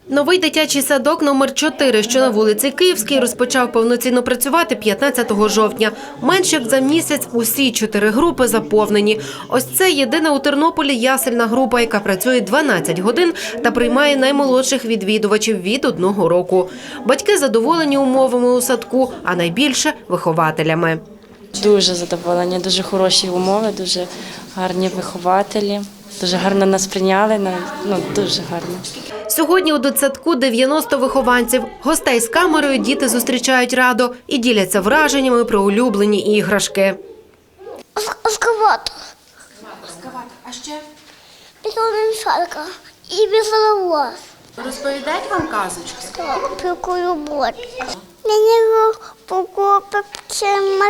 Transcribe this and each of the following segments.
Новий дитячий садок номер 4, що на вулиці Київській, розпочав повноцінно працювати 15 жовтня. Менш як за місяць усі 4 групи заповнені. Ось це єдина у Тернополі ясельна група, яка працює 12 годин та приймає наймолодших відвідувачів від 1 року. Батьки задоволені умовами у садку, а найбільше – вихователями. Дуже задоволені, дуже хороші умови, дуже гарні вихователі, дуже гарно нас прийняли, дуже гарно. Сьогодні у дитсадку 90 вихованців. Гостей з камерою діти зустрічають радо і діляться враженнями про улюблені іграшки. Ескаватор. А ще? Після і веселовоз. Розповідають вам казочки? Про колобок. Мені покупити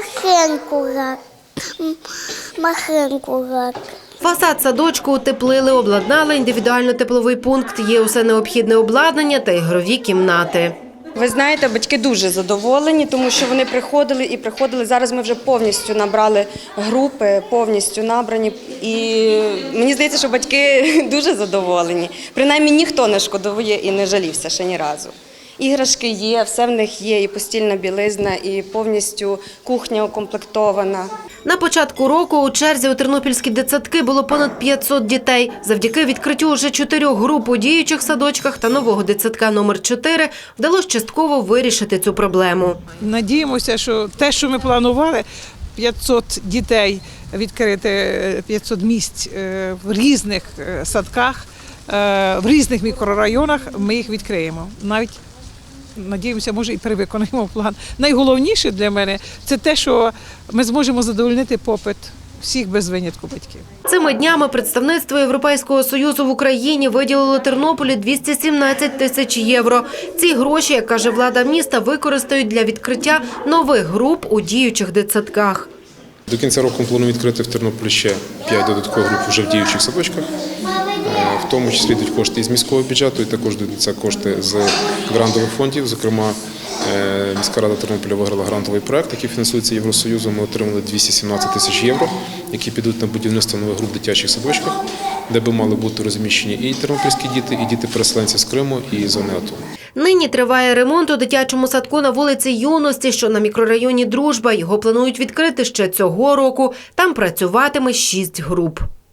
машинку. Фасад садочку утеплили, обладнали індивідуально-тепловий пункт, є усе необхідне обладнання та ігрові кімнати. Ви знаєте, батьки дуже задоволені, тому що вони приходили. Зараз ми вже повністю набрали групи, повністю набрані. І мені здається, що батьки дуже задоволені. Принаймні ніхто не шкодує і не жалівся ще ні разу. Іграшки є, все в них є, і постільна білизна, і повністю кухня укомплектована. На початку року у черзі у тернопільські дитсадки було понад 500 дітей. Завдяки відкриттю уже 4 груп у діючих садочках та нового дитсадка номер 4 вдалося частково вирішити цю проблему. Надіємося, що те, що ми планували, 500 дітей відкрити, 500 місць в різних садках, в різних мікрорайонах, ми їх відкриємо. Навіть надіємося, може і перевиконаємо план. Найголовніше для мене – це те, що ми зможемо задовольнити попит всіх без винятку батьків. Цими днями представництво Європейського Союзу в Україні виділило Тернополі 217 тисяч євро. Ці гроші, як каже влада міста, використають для відкриття нових груп у діючих дитсадках. До кінця року ми плануємо відкрити в Тернополі ще 5 додаткових груп вже в діючих садочках. В тому числі йдуть кошти із міського бюджету і також йдуть кошти з грантових фондів. Зокрема, міська рада Тернополя виграла грантовий проект, який фінансується Євросоюзом. Ми отримали 217 тисяч євро, які підуть на будівництво нових груп в дитячих садочках, де би мали бути розміщені і тернопільські діти, і діти-переселенці з Криму, і зони АТО. Нині триває ремонт у дитячому садку на вулиці Юності, що на мікрорайоні Дружба. Його планують відкрити ще цього року. Там працюватиме 6 груп.